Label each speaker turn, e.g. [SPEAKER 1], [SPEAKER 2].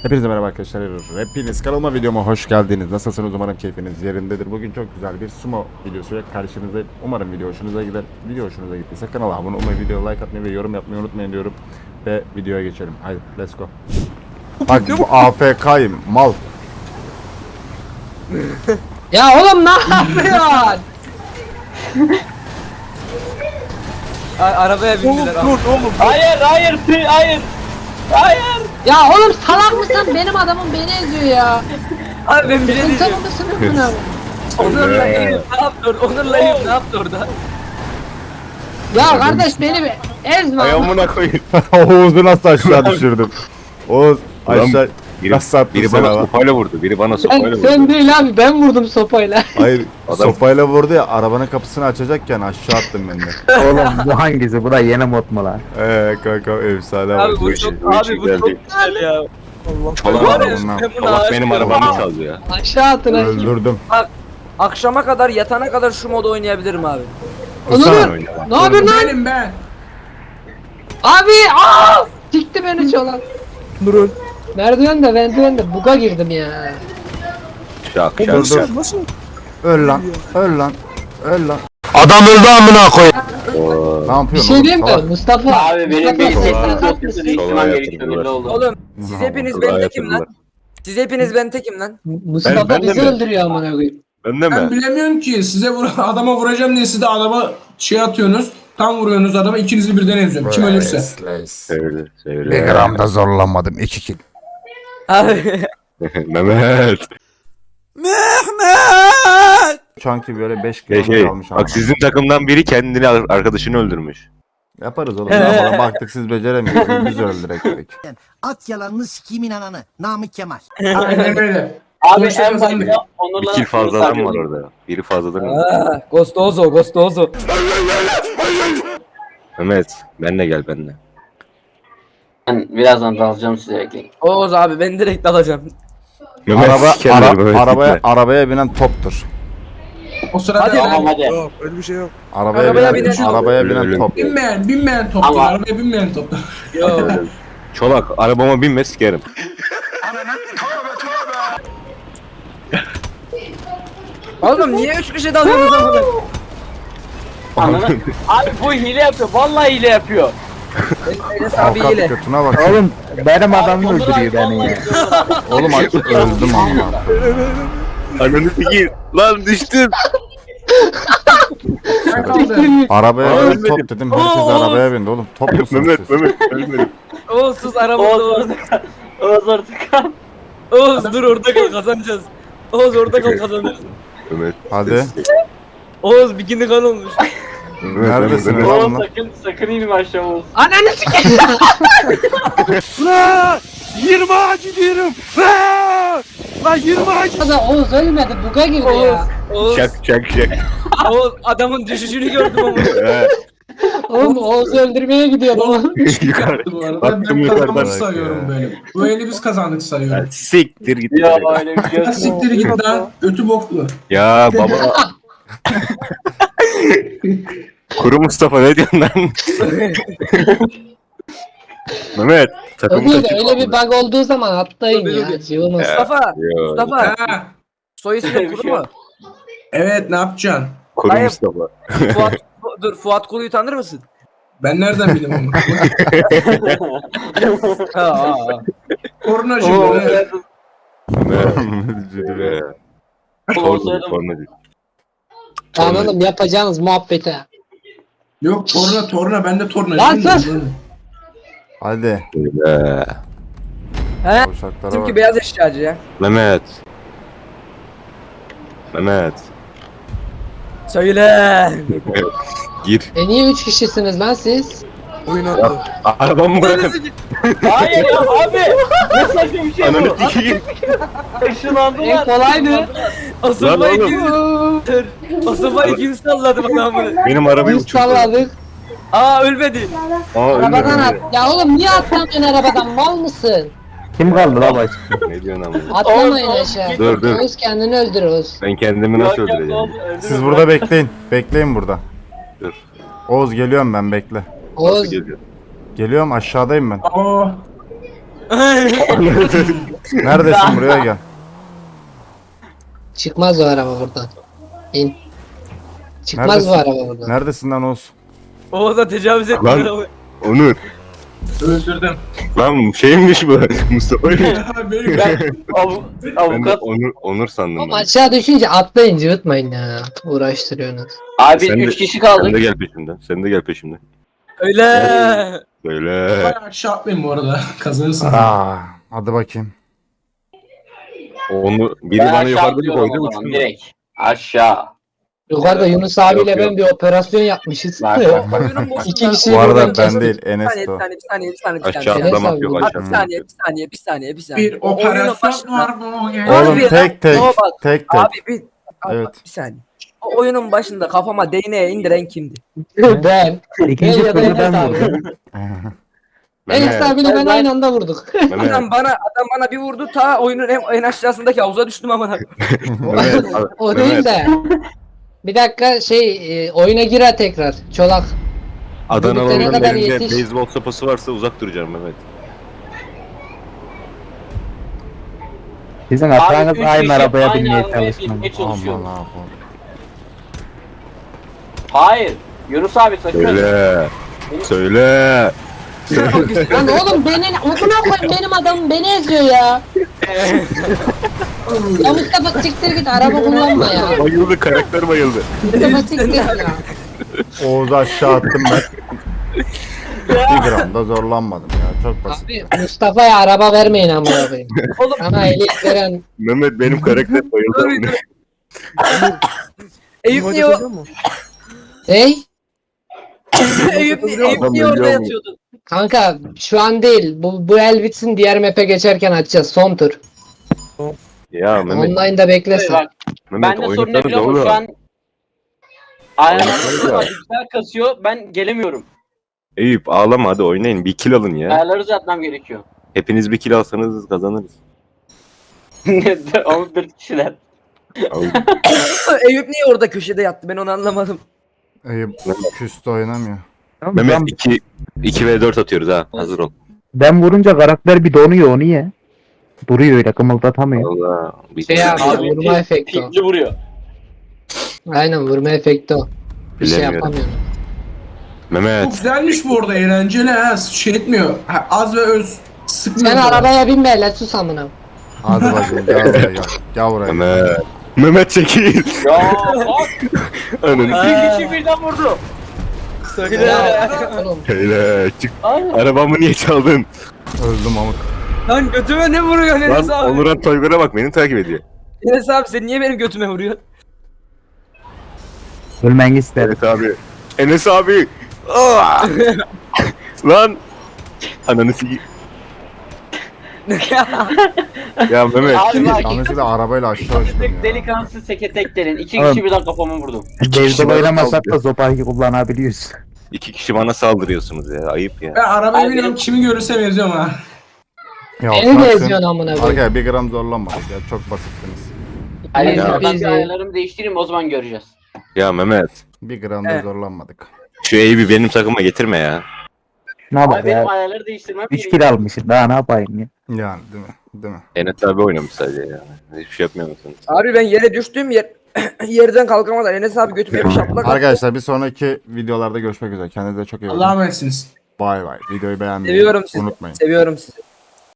[SPEAKER 1] Hepinize merhaba arkadaşlar. Hepiniz kanalıma, videoma hoş geldiniz. Nasılsınız? Umarım keyfiniz yerindedir. Bugün çok güzel bir sumo videosuyla karşınızdayım. Umarım video hoşunuza gider. Video hoşunuza gittiyse kanala abone olmayı, video like atmayı ve yorum yapmayı unutmayın diyorum. Ve videoya geçelim. Haydi let's go. Bak bu AFK'yim mal.
[SPEAKER 2] Ya oğlum ne yapıyorsun?
[SPEAKER 3] Arabaya bindiler.
[SPEAKER 4] Hayır.
[SPEAKER 2] Ya oğlum salak mısın? Benim adamım beni eziyor ya.
[SPEAKER 3] Abi ben bir şey
[SPEAKER 2] Sıkıntı
[SPEAKER 3] diyeceğim.
[SPEAKER 2] mısın bunu?
[SPEAKER 3] Onur'la Eyüp ne yaptı orada? Onur'la Eyüp ne yaptı orada?
[SPEAKER 2] Ya kardeş beni bir ezme.
[SPEAKER 5] Ayağımına koyayım.
[SPEAKER 1] Oğuz'u nasıl aşağı düşürdüm? Oğuz aşağı
[SPEAKER 5] Biri,
[SPEAKER 1] nasıl attın
[SPEAKER 5] biri
[SPEAKER 1] sen
[SPEAKER 5] bana
[SPEAKER 1] ama?
[SPEAKER 5] sopayla vurdu. Biri bana sopayla vurdu.
[SPEAKER 2] Sen değil abi ben vurdum sopayla.
[SPEAKER 1] Hayır
[SPEAKER 5] Adam-
[SPEAKER 1] sopayla vurdu ya, arabanın kapısını açacakken aşağı attım ben de.
[SPEAKER 4] Oğlum bu hangisi? Bu da yeni mod mu lan?
[SPEAKER 1] Kanka efsane
[SPEAKER 3] Abi
[SPEAKER 1] bak.
[SPEAKER 3] bu
[SPEAKER 5] işi-
[SPEAKER 3] çok
[SPEAKER 5] bu işi
[SPEAKER 3] abi bu çok
[SPEAKER 5] geldi.
[SPEAKER 3] güzel ya.
[SPEAKER 5] Çolak
[SPEAKER 3] Var ya,
[SPEAKER 1] bundan.
[SPEAKER 3] ben buna
[SPEAKER 5] Allah
[SPEAKER 3] aşık
[SPEAKER 5] benim
[SPEAKER 3] oldum.
[SPEAKER 5] arabamı çaldı ya.
[SPEAKER 2] Aşağı atın ha.
[SPEAKER 1] Öldürdüm.
[SPEAKER 3] Akşama kadar yatana kadar şu modu oynayabilirim abi.
[SPEAKER 1] Kusana
[SPEAKER 2] Onur
[SPEAKER 5] oyna bak.
[SPEAKER 2] ne yapıyorsun lan?
[SPEAKER 3] Benim ben.
[SPEAKER 2] Abi aa! Sikti beni çolan.
[SPEAKER 3] Durun.
[SPEAKER 2] Merdivende buga girdim ya.
[SPEAKER 5] Şak şak
[SPEAKER 1] Dur
[SPEAKER 5] şak.
[SPEAKER 1] dur. Öl lan. Öl lan. Öl lan.
[SPEAKER 5] Oo,
[SPEAKER 1] Ne
[SPEAKER 2] Bir
[SPEAKER 1] yapıyorsun
[SPEAKER 2] şey
[SPEAKER 1] oğlum?
[SPEAKER 2] diyeyim mi?
[SPEAKER 1] Salak.
[SPEAKER 2] Mustafa.
[SPEAKER 4] Abi benim
[SPEAKER 2] Mustafa,
[SPEAKER 4] bir
[SPEAKER 2] sen
[SPEAKER 4] sesini
[SPEAKER 2] salak
[SPEAKER 4] çok
[SPEAKER 2] mısın?
[SPEAKER 4] kötü değiştirmem gerekiyor
[SPEAKER 5] yatırdılar.
[SPEAKER 4] belli oldu.
[SPEAKER 3] Oğlum siz hepiniz
[SPEAKER 5] Kolay
[SPEAKER 3] ben tekim lan.
[SPEAKER 5] yatırdılar.
[SPEAKER 3] Siz hepiniz ben tekim lan.
[SPEAKER 2] Mustafa
[SPEAKER 5] Ben de
[SPEAKER 2] bizi
[SPEAKER 5] mi?
[SPEAKER 2] öldürüyor amına koyayım.
[SPEAKER 5] Ben de
[SPEAKER 6] Ben
[SPEAKER 5] mi?
[SPEAKER 6] bilemiyorum ki size adama vuracağım diye siz de adama şey atıyorsunuz. Tam vuruyorsunuz adama, ikinizi birden eziyorum. Kim ölürse.
[SPEAKER 5] Sevdi.
[SPEAKER 1] Bir
[SPEAKER 5] Sevdi.
[SPEAKER 1] gram da zorlanmadım. 2 kill.
[SPEAKER 3] Abi.
[SPEAKER 5] Mehmet.
[SPEAKER 1] Şu anki böyle 5
[SPEAKER 5] Şey,
[SPEAKER 1] kill almış ama.
[SPEAKER 5] bak sizin takımdan biri kendini arkadaşını öldürmüş.
[SPEAKER 1] Yaparız oğlum. Ne yapalım? Baktık siz beceremiyorsunuz. Biz öldürek dedik.
[SPEAKER 7] At yalanını sikimin ananı. Namık Kemal.
[SPEAKER 6] Aynen öyle.
[SPEAKER 4] Abi
[SPEAKER 6] Sonuçta
[SPEAKER 4] en
[SPEAKER 6] kazandık.
[SPEAKER 4] başta
[SPEAKER 5] Bir
[SPEAKER 4] Onur'la
[SPEAKER 5] kill fazladan var orada. Biri fazladan var.
[SPEAKER 3] Gostozo.
[SPEAKER 5] Mehmet. Benle gel benle.
[SPEAKER 4] Ben birazdan dalacağım size ekleyin.
[SPEAKER 3] Oğuz abi ben direkt alacağım.
[SPEAKER 5] Mehmet sikerler Mehmet, gitme.
[SPEAKER 1] Arabaya binen toptur.
[SPEAKER 6] O sırada
[SPEAKER 3] Hadi
[SPEAKER 4] Tamam
[SPEAKER 6] ben
[SPEAKER 4] hadi.
[SPEAKER 3] Arabaya binen-
[SPEAKER 1] arabaya
[SPEAKER 5] Öyle,
[SPEAKER 1] binen
[SPEAKER 5] öyle.
[SPEAKER 1] top.
[SPEAKER 6] binmeyen toptur.
[SPEAKER 4] Ama-
[SPEAKER 6] Arabaya binmeyen toptur.
[SPEAKER 3] Yo.
[SPEAKER 5] Çolak arabama binme sikerim.
[SPEAKER 3] Oğlum niye 3 kişi dalıyorsunuz amına?
[SPEAKER 4] Anladın? Abi bu hile yapıyor. Vallahi hile yapıyor.
[SPEAKER 3] Enes abi
[SPEAKER 1] Avukat
[SPEAKER 3] hile.
[SPEAKER 1] götüne bak.
[SPEAKER 4] Oğlum benim adamı öldürüyor beni ya.
[SPEAKER 1] Oğlum öldüm ama.
[SPEAKER 5] Ananı sikeyim. Lan düştüm.
[SPEAKER 6] Ben kaldı.
[SPEAKER 1] Arabaya bin
[SPEAKER 5] Ölmedim.
[SPEAKER 1] top dedim. Herkes arabaya bindi oğlum. Top musunuz
[SPEAKER 5] Mehmet
[SPEAKER 1] siz?
[SPEAKER 5] ölmedim.
[SPEAKER 3] Oğuz sus aramızda Oğuz.
[SPEAKER 4] Oğuz artık.
[SPEAKER 3] Oğuz dur orada kal kazanacağız. Oğuz orada kal kazanırız.
[SPEAKER 5] Mehmet.
[SPEAKER 1] Hadi.
[SPEAKER 3] Oğuz bikini kan olmuş.
[SPEAKER 1] Neredesiniz
[SPEAKER 5] Mehmet.
[SPEAKER 1] lan
[SPEAKER 4] Oğuz
[SPEAKER 1] bunlar?
[SPEAKER 4] sakın inme aşağı Oğuz.
[SPEAKER 2] Ananı sikeyim.
[SPEAKER 5] 20 ağacı diyorum. Lan 20 ağacı.
[SPEAKER 2] Oğuz ölmedi buga girdi ya.
[SPEAKER 3] Oğuz,
[SPEAKER 5] Şak.
[SPEAKER 3] Oğuz adamın düşüşünü gördüm ama.
[SPEAKER 2] Oğlum Oğuz'u öldürmeye gidiyordu oğlum.
[SPEAKER 5] Yukarı.
[SPEAKER 6] Bu arada
[SPEAKER 5] Baktım
[SPEAKER 6] ben
[SPEAKER 5] yukarıdan.
[SPEAKER 6] kazandık sayıyorum böyle. Bu eli biz kazandık sayıyorum.
[SPEAKER 5] Siktir git.
[SPEAKER 4] Ya öyle bir şey
[SPEAKER 6] Ha, siktir git lan. Ötü boklu.
[SPEAKER 5] Ya baba. Kuru Mustafa ne diyorsun lan? Mehmet takımı
[SPEAKER 2] Öyle,
[SPEAKER 5] kaçırma.
[SPEAKER 2] öyle bir bug olduğu zaman atlayın
[SPEAKER 3] Tabii,
[SPEAKER 2] ya.
[SPEAKER 3] tabii.
[SPEAKER 2] Cıvımız.
[SPEAKER 3] Mustafa,
[SPEAKER 5] Yo,
[SPEAKER 3] Mustafa.
[SPEAKER 6] Ha.
[SPEAKER 3] Soy ismi Kuru mu?
[SPEAKER 6] Evet, ne yapacaksın?
[SPEAKER 5] Kuru
[SPEAKER 3] Hayır.
[SPEAKER 5] Mustafa.
[SPEAKER 3] Fuat, dur Fuat Kuru'yu tanır mısın?
[SPEAKER 6] Ben nereden bileyim onu?
[SPEAKER 3] Ha.
[SPEAKER 6] Kornacı bu. Evet.
[SPEAKER 5] Mehmet.
[SPEAKER 4] Oğuz soyadım.
[SPEAKER 2] Tamam oğlum yapacağınız muhabbete.
[SPEAKER 6] Yok torna ben de tornacıyım.
[SPEAKER 2] Lan sus!
[SPEAKER 1] Hadi.
[SPEAKER 3] He?
[SPEAKER 1] Uşaklara
[SPEAKER 3] Bizimki
[SPEAKER 1] bak.
[SPEAKER 3] beyaz eşyacı ya.
[SPEAKER 5] Mehmet.
[SPEAKER 3] Söyle.
[SPEAKER 5] Gir.
[SPEAKER 2] Niye 3 kişisiniz lan siz?
[SPEAKER 5] Arabamı bırakın.
[SPEAKER 4] Hayır ya abi. Ne saçma bir şey
[SPEAKER 5] Ananı
[SPEAKER 4] bu.
[SPEAKER 5] sikeyim.
[SPEAKER 2] En
[SPEAKER 4] Işınlandılar.
[SPEAKER 2] kolaydı.
[SPEAKER 3] O sopayı
[SPEAKER 5] oğlum.
[SPEAKER 3] kim? O sopayı kim salladı bana amına?
[SPEAKER 5] Benim arabayı
[SPEAKER 2] Biz
[SPEAKER 5] uçurdu.
[SPEAKER 2] salladık.
[SPEAKER 3] Aa ölmedi.
[SPEAKER 2] Arabadan at. Ya oğlum niye atlamıyorsun arabadan? Mal mısın?
[SPEAKER 4] Kim kaldı la baş?
[SPEAKER 5] Ne diyorsun ama?
[SPEAKER 2] Atlamayın aşağı.
[SPEAKER 5] Dur.
[SPEAKER 2] Oğuz kendini öldür Oğuz.
[SPEAKER 5] Ben kendimi nasıl öldüreceğim?
[SPEAKER 1] Siz burada bekleyin. Bekleyin burada.
[SPEAKER 5] Dur.
[SPEAKER 1] Oğuz geliyorum ben, bekle.
[SPEAKER 5] Nasıl
[SPEAKER 2] Oğuz
[SPEAKER 5] geliyor?
[SPEAKER 1] Geliyorum, aşağıdayım ben.
[SPEAKER 6] Aa,
[SPEAKER 1] Neredesin, buraya gel.
[SPEAKER 2] Çıkmaz o araba buradan. İn. Çıkmaz
[SPEAKER 1] Neredesin?
[SPEAKER 2] bu araba buradan.
[SPEAKER 1] Neredesin lan Oğuz?
[SPEAKER 3] Oğuz'a tecavüz ettin
[SPEAKER 8] Lan.
[SPEAKER 3] arabayı.
[SPEAKER 8] Onur.
[SPEAKER 6] Öldürdüm.
[SPEAKER 8] Lan şeymiş bu. Mustafa'ymış.
[SPEAKER 6] Benim
[SPEAKER 8] Ben de
[SPEAKER 4] Avukat.
[SPEAKER 8] Onur sandım
[SPEAKER 2] Oğlum
[SPEAKER 8] ben.
[SPEAKER 2] aşağı düşünce atlayın cıvıtmayın ya. Uğraştırıyorsunuz.
[SPEAKER 4] Abi
[SPEAKER 8] Sen de-
[SPEAKER 4] 3 kişi
[SPEAKER 8] Sen
[SPEAKER 4] kaldık.
[SPEAKER 8] de gel peşimden. Sen de gel peşimden.
[SPEAKER 3] Öyle.
[SPEAKER 8] Böyle.
[SPEAKER 6] bayağı aşağı atmayın bu arada. Kazanırsınız.
[SPEAKER 1] Hadi bakayım.
[SPEAKER 8] Onu biri
[SPEAKER 4] Ben
[SPEAKER 8] bana
[SPEAKER 4] aşağı
[SPEAKER 8] yukarıda bir
[SPEAKER 4] atlıyorum
[SPEAKER 8] koydu
[SPEAKER 4] o
[SPEAKER 8] mu?
[SPEAKER 4] zaman direkt. Aşağı.
[SPEAKER 2] Yukarıda Yunus abiyle
[SPEAKER 8] Yok,
[SPEAKER 2] ben bir operasyon yapmışız.
[SPEAKER 4] Bak, bak,
[SPEAKER 3] Oyunun boşluğunda-
[SPEAKER 2] İki kişi
[SPEAKER 1] Bu arada
[SPEAKER 2] buradan
[SPEAKER 1] ben
[SPEAKER 2] kestik.
[SPEAKER 1] değil,
[SPEAKER 3] Bir
[SPEAKER 1] Enes
[SPEAKER 3] saniye,
[SPEAKER 1] de o.
[SPEAKER 3] bir saniye, bir saniye, bir saniye, bir
[SPEAKER 8] Aşağı
[SPEAKER 3] saniye.
[SPEAKER 8] atlamak
[SPEAKER 2] Enes
[SPEAKER 8] yok
[SPEAKER 2] abi,
[SPEAKER 3] Abi
[SPEAKER 8] aşağı.
[SPEAKER 3] bir saniye, bir saniye, bir saniye, bir saniye.
[SPEAKER 6] Bir
[SPEAKER 3] O oyunun
[SPEAKER 6] operasyon
[SPEAKER 3] başında-
[SPEAKER 6] var bugün.
[SPEAKER 3] Abi
[SPEAKER 1] Oğlum
[SPEAKER 3] ya,
[SPEAKER 1] tek tek,
[SPEAKER 3] no bak.
[SPEAKER 1] tek tek.
[SPEAKER 3] Abi bir saniye. O oyunun başında kafama değneğe indiren kimdi?
[SPEAKER 2] Ben.
[SPEAKER 9] İkinci
[SPEAKER 2] ya da
[SPEAKER 9] turda
[SPEAKER 2] Enes
[SPEAKER 9] ben
[SPEAKER 2] abi.
[SPEAKER 9] vurdum.
[SPEAKER 2] Enes abiyle ben aynı anda vurduk.
[SPEAKER 8] Mehmet.
[SPEAKER 3] Adam bana bir vurdu ta oyunun en aşağısındaki havuza düştüm ama.
[SPEAKER 8] Mehmet.
[SPEAKER 2] O değil de. Bir dakika oyuna gir ha tekrar. Çolak.
[SPEAKER 8] Adanalı'nın
[SPEAKER 2] Ne kadar
[SPEAKER 8] elinde
[SPEAKER 2] yetiş.
[SPEAKER 8] beyzbol sopası varsa uzak duracağım Mehmet.
[SPEAKER 9] Sizin
[SPEAKER 4] Abi
[SPEAKER 9] hatanız
[SPEAKER 4] 3
[SPEAKER 9] aynı
[SPEAKER 4] kişi
[SPEAKER 9] arabaya
[SPEAKER 4] aynı
[SPEAKER 9] binmeye
[SPEAKER 4] arabaya
[SPEAKER 9] çalışmam.
[SPEAKER 4] binmeye çalışıyor.
[SPEAKER 1] Aman Allah'ım.
[SPEAKER 4] Hayır. Yunus abi sakın.
[SPEAKER 8] Söyle. Söyle.
[SPEAKER 2] Lan oğlum amına koyayım benim adamım beni eziyor ya. Ya Mustafa siktir git araba kullanma ya.
[SPEAKER 8] Bayıldı, karakter bayıldı.
[SPEAKER 2] Mustafa siktir ya.
[SPEAKER 1] Oğuz'u aşağı attım ben. Bir gram da zorlanmadım ya, çok basit.
[SPEAKER 2] Abi Mustafa'ya araba vermeyin amına koyayım.
[SPEAKER 3] Oğlum
[SPEAKER 2] Sana ehliyet veren
[SPEAKER 8] Mehmet benim karakter bayıldı.
[SPEAKER 3] Eyüp niye o?
[SPEAKER 2] Ney?
[SPEAKER 3] Eyüp niye orada yatıyordu?
[SPEAKER 2] Kanka şu an değil. Bu el bitsin diğer map'e geçerken açacağız son tur.
[SPEAKER 8] Ya Mehmet,
[SPEAKER 2] Online'da beklesin.
[SPEAKER 4] Bak,
[SPEAKER 8] Mehmet
[SPEAKER 4] ben de sorun ne
[SPEAKER 8] oynasanız
[SPEAKER 4] biliyor musun?
[SPEAKER 8] oğlum.
[SPEAKER 4] Şu an ayağım
[SPEAKER 8] Oynasana.
[SPEAKER 4] güzel kasıyor. Ben gelemiyorum.
[SPEAKER 8] Eyüp ağlama, hadi oynayın, bir kill alın ya.
[SPEAKER 4] Ayarları uzatmam gerekiyor.
[SPEAKER 8] Hepiniz bir kill alsanız kazanırız.
[SPEAKER 4] 14 kişiler.
[SPEAKER 3] Eyüp niye orada köşede yattı ben onu anlamadım.
[SPEAKER 1] Eyüp küstü oynamıyor.
[SPEAKER 8] Mehmet 2v4 atıyoruz ha, hazır ol.
[SPEAKER 9] Ben vurunca karakter bir donuyor, o niye? Duruyor öyle, kımıldatamıyor.
[SPEAKER 8] Allah. Bir
[SPEAKER 2] Abi,
[SPEAKER 4] Abi,
[SPEAKER 2] vurma efekti o.
[SPEAKER 4] Pikli vuruyor.
[SPEAKER 2] Aynen vurma efekti o. Bir şey
[SPEAKER 8] Bilemiyorum.
[SPEAKER 2] yapamıyorum.
[SPEAKER 6] Çok
[SPEAKER 8] Mehmet.
[SPEAKER 6] güzelmiş bu arada, eğlenceli ha. Şey etmiyor. Ha, az ve öz sıkmıyor.
[SPEAKER 2] Sen arabaya binme hele sus amına.
[SPEAKER 1] Hadi bakayım, gel buraya gel. Gel buraya.
[SPEAKER 8] Mehmet. Mehmet çekil.
[SPEAKER 4] Ya bak.
[SPEAKER 8] Ananı
[SPEAKER 4] İki kişi birden vurdu.
[SPEAKER 3] Söyle.
[SPEAKER 2] Ya, oğlum.
[SPEAKER 8] Söyle çık.
[SPEAKER 4] Ay.
[SPEAKER 8] Arabamı niye çaldın?
[SPEAKER 1] Öldüm amık.
[SPEAKER 3] Lan götüme ne vuruyor Enes
[SPEAKER 8] Lan
[SPEAKER 3] abi?
[SPEAKER 8] Onuran Toygar'a bak, beni takip ediyor.
[SPEAKER 3] Enes abi sen niye benim götüme vuruyorsun?
[SPEAKER 9] Ölmen isterim.
[SPEAKER 8] Evet abi. Enes abi. Aa! Lan. Ananı sikeyim. Ya Mehmet.
[SPEAKER 4] Abi bak.
[SPEAKER 1] Yanlışlıkla arabayla aşağı uçtum ya.
[SPEAKER 4] Delikanlısı seke İki
[SPEAKER 9] Oğlum.
[SPEAKER 4] kişi birden kafama vurdu.
[SPEAKER 9] Beyzbol oynamasak da sopayı kullanabiliyoruz.
[SPEAKER 8] 2 kişi bana saldırıyorsunuz ya. Ayıp ya.
[SPEAKER 6] Ben arabaya
[SPEAKER 4] Abi
[SPEAKER 6] biniyorum,
[SPEAKER 4] benim-
[SPEAKER 6] kimi görürsem eziyorum ha.
[SPEAKER 1] Ya
[SPEAKER 2] Beni de
[SPEAKER 1] bıraksın.
[SPEAKER 2] eziyorsun amına koyayım.
[SPEAKER 1] Arkadaşlar bir gram zorlanmadık ya, çok basittiniz.
[SPEAKER 4] Hayır,
[SPEAKER 2] Ya.
[SPEAKER 4] ben
[SPEAKER 2] Biz
[SPEAKER 4] bir
[SPEAKER 2] de-
[SPEAKER 4] ayarlarımı değiştireyim, o zaman göreceğiz.
[SPEAKER 8] Ya Mehmet.
[SPEAKER 1] Bir gram da
[SPEAKER 3] Evet.
[SPEAKER 1] zorlanmadık.
[SPEAKER 8] Şu Eyüp'ü benim takıma getirme ya.
[SPEAKER 9] Şuna
[SPEAKER 4] Abi
[SPEAKER 9] bak
[SPEAKER 4] benim
[SPEAKER 9] ya.
[SPEAKER 4] ayarları değiştirmem
[SPEAKER 9] 3 kill almışım, daha ne yapayım ya.
[SPEAKER 1] Yani değil mi? Değil mi?
[SPEAKER 8] Enes abi oynamış sadece ya. Hiçbir şey yapmıyor musunuz?
[SPEAKER 3] Abi ben yere düştüğüm yerden kalkamadan Enes abi götüme bir şaplak attı.
[SPEAKER 1] Arkadaşlar bir sonraki videolarda görüşmek üzere. Kendinize çok iyi bakın.
[SPEAKER 6] Allah'a emanetsiniz.
[SPEAKER 1] Bay bay. Videoyu beğenmeyi
[SPEAKER 3] Seviyorum sizi.
[SPEAKER 1] unutmayın.
[SPEAKER 3] Seviyorum sizi.